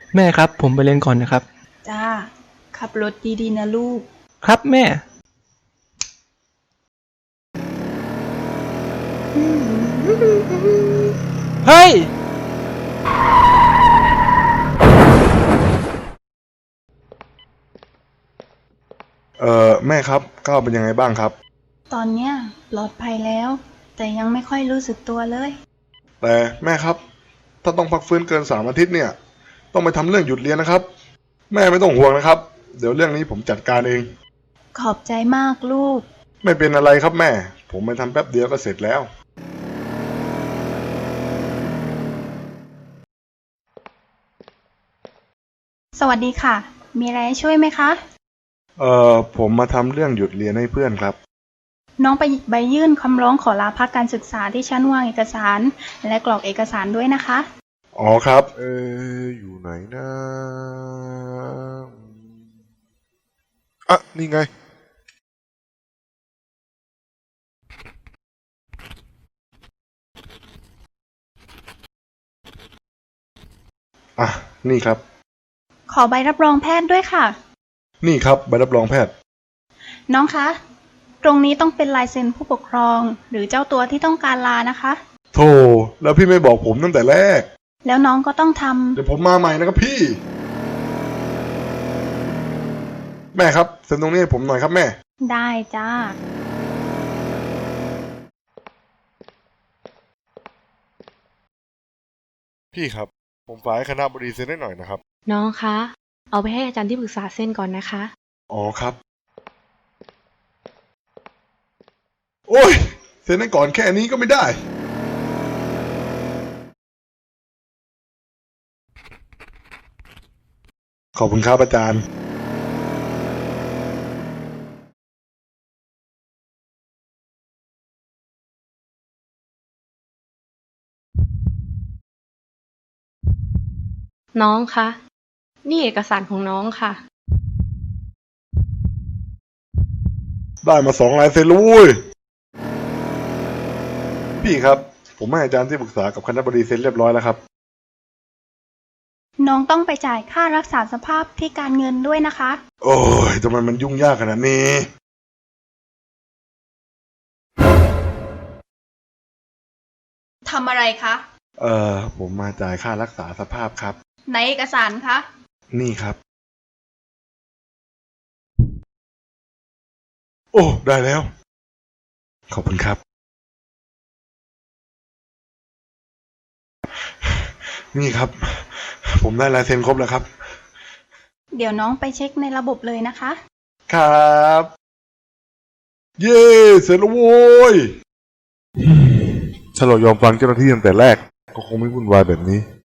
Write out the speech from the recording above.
แม่ครับผมไปเรียนก่อนนะครับจ้าขับรถดีๆนะลูกครับแม่เฮ้ยแม่ครับก้าวเป็นยังไงบ้างครับตอนเนี้ยปลอดภัยแล้วแต่ยังไม่ค่อยรู้สึกตัวเลยแต่แม่ครับถ้าต้องพักฟื้นเกิน3 อาทิตย์เนี่ยต้องไปทำเรื่องหยุดเรียนนะครับแม่ไม่ต้องห่วงนะครับเดี๋ยวเรื่องนี้ผมจัดการเองขอบใจมากลูกไม่เป็นอะไรครับแม่ผมไปทำแป๊บเดียวก็เสร็จแล้วสวัสดีค่ะมีอะไรให้ช่วยไหมคะผมมาทำเรื่องหยุดเรียนให้เพื่อนครับน้องไปหยิบใบยื่นคำร้องขอลาพักการศึกษาที่ชั้นวางเอกสารและกรอกเอกสารด้วยนะคะอ๋อครับอยู่ไหนนะอ่ะนี่ไงอ่ะนี่ครับขอใบรับรองแพทย์ด้วยค่ะนี่ครับใบรับรองแพทย์น้องคะตรงนี้ต้องเป็นลายเซ็นผู้ปกครองหรือเจ้าตัวที่ต้องการลานะคะโธ่แล้วพี่ไม่บอกผมตั้งแต่แรกแล้วน้องก็ต้องทเดี๋ยวผมมาใหม่นะครับพี่แม่ครับเซ็นตรงนี้ให้ผมหน่อยครับแม่ำได้จ้าพี่ครับผมฝากให้คณะบดีเซ็นให้หน่อยนะครับน้องคะ เอาไปให้อาจารย์ที่ปรึกษาเซ็นก่อนนะคะอ๋อครับโอ้ยเซ็นให้ก่อนแค่นี้ก็ไม่ได้ขอบคุณครับอาจารย์น้องคะ นี่เอกสารของน้องค่ะได้มา2 ลายเซ็นแล้วเว้ยพี่ครับผมให้อาจารย์ที่ปรึกษากับคณะบดีเซ็นเรียบร้อยแล้วครับน้องต้องไปจ่ายค่ารักษาสภาพที่การเงินด้วยนะคะโอ้ยทำไมมันยุ่งยากขนาดนี้ทำอะไรคะผมมาจ่ายค่ารักษาสภาพครับในเอกสารคะนี่ครับโอ้ได้แล้วขอบคุณครับนี่ครับผมได้ลายเซ็นครบแล้วครับเดี๋ยวน้องไปเช็คในระบบเลยนะคะครับเย้เสร็จแล้วโว้ยถ้าเรายอมฟังเจ้าหน้าที่ตั้งแต่แรกก็คงไม่วุ่นวายแบบนี้